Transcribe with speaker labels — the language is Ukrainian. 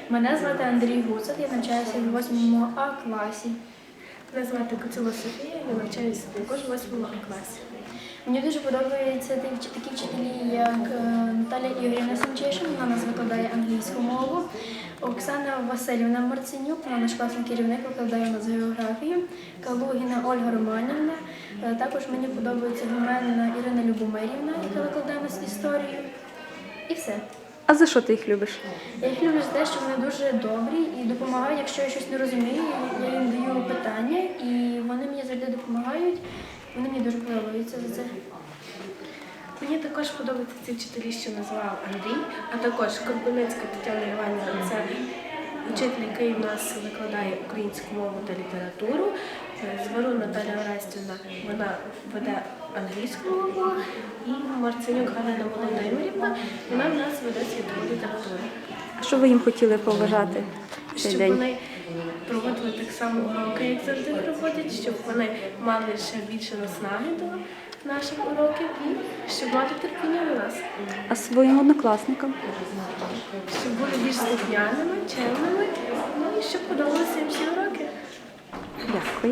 Speaker 1: Мене звати Андрій Гуцак, я навчаюся в 8 А класі.
Speaker 2: Мене звати Коцюла Софія, я навчаюся також в 8 класі.
Speaker 1: Мені дуже подобаються такі вчителі, як Наталя Ігорівна Семчишин, вона нас викладає англійську мову, Оксана Васильівна Марценюк, вона наш класний керівник, викладає у нас географію, Калугіна Ольга Романівна. Також мені подобається Гуменна Ірина Любомирівна, яка викладає у нас історію. І все.
Speaker 3: А за що ти їх любиш?
Speaker 1: Я їх люблю за те, що вони дуже добрі і допомагають, якщо я щось не розумію, я їм даю питання, і вони мені завжди допомагають. Вони мені дуже подобаються за це.
Speaker 2: Мені також подобаються ці вчителі, що назвав Андрій, а також Корбуницька Тетяна Іванівна, це вчитель, який в нас викладає українську мову та літературу. Зварун Наталя Орестівна, вона веде англійську мову, і Марценюк Галина Володимирівна, вона в нас веде світову літературу.
Speaker 3: А що ви їм хотіли побажати в цей
Speaker 2: Щоб
Speaker 3: день?
Speaker 2: вони проводили так само уроки, як завжди проводять, щоб вони мали ще більше наснаги до наших уроків і щоб мати терпіння до нас.
Speaker 3: А своїм однокласникам?
Speaker 2: Щоб були більш слухняними, чемними, ну і щоб подобалися їм всі уроки.
Speaker 3: Дякую.